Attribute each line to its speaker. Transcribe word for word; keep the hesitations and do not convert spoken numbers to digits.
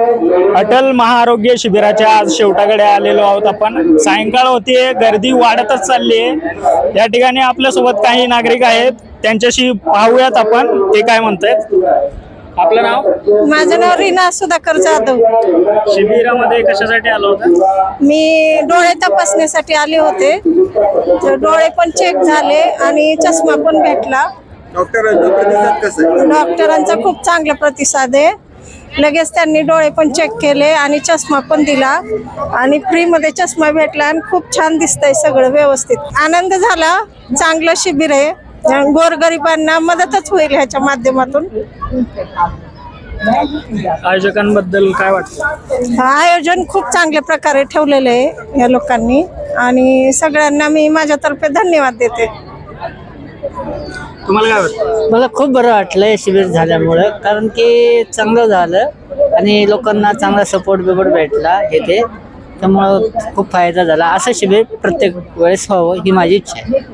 Speaker 1: अटल महाआरोग्य शिबिराच्या आज शेवटाकडे आलेलो आहोत आपण। सायंकाळ होतीये, गर्दी वाढतच चालली आहे। या ठिकाणी आपल्या सोबत काही नागरिक आहेत, त्यांच्याशी पाहूयात आपण ते काय म्हणतायत। आपलं नाव?
Speaker 2: माझं नाव रीना सुधाकर जाधव।
Speaker 1: शिबिरामध्ये कशासाठी आलो होता?
Speaker 2: मी डोळे तपासण्यासाठी आले होते, तर डोळे पण चेक झाले आणि चष्मा पण भेटला।
Speaker 3: डॉक्टरांचा प्रतिसाद कसा आहे?
Speaker 2: डॉक्टरांचा खूप चांगला प्रतिसाद आहे। लगेच त्यांनी डोळे पण चेक केले आणि चष्मा पण दिला आणि फ्री मध्ये चष्मा भेटला आणि खूप छान दिसतंय, सगळं व्यवस्थित। आनंद झाला, चांगलं शिबिर आहे, गोरगरिबांना मदतच होईल ह्याच्या माध्यमातून।
Speaker 1: आयोजकांबद्दल काय वाटतं?
Speaker 2: आयोजन खूप चांगल्या प्रकारे ठेवलेलं आहे या लोकांनी आणि सगळ्यांना मी माझ्यातर्फे धन्यवाद देते।
Speaker 1: तुम्हाला काय वाटतं?
Speaker 4: मला खूप बरं वाटलं शिबिर झाल्यामुळं, कारण की चांगलं झालं आणि लोकांना चांगला सपोर्ट बिपोर्ट भेटला येथे, त्यामुळं खूप फायदा झाला। असं शिबिर प्रत्येक वेळेस व्हावं ही माझी इच्छा आहे।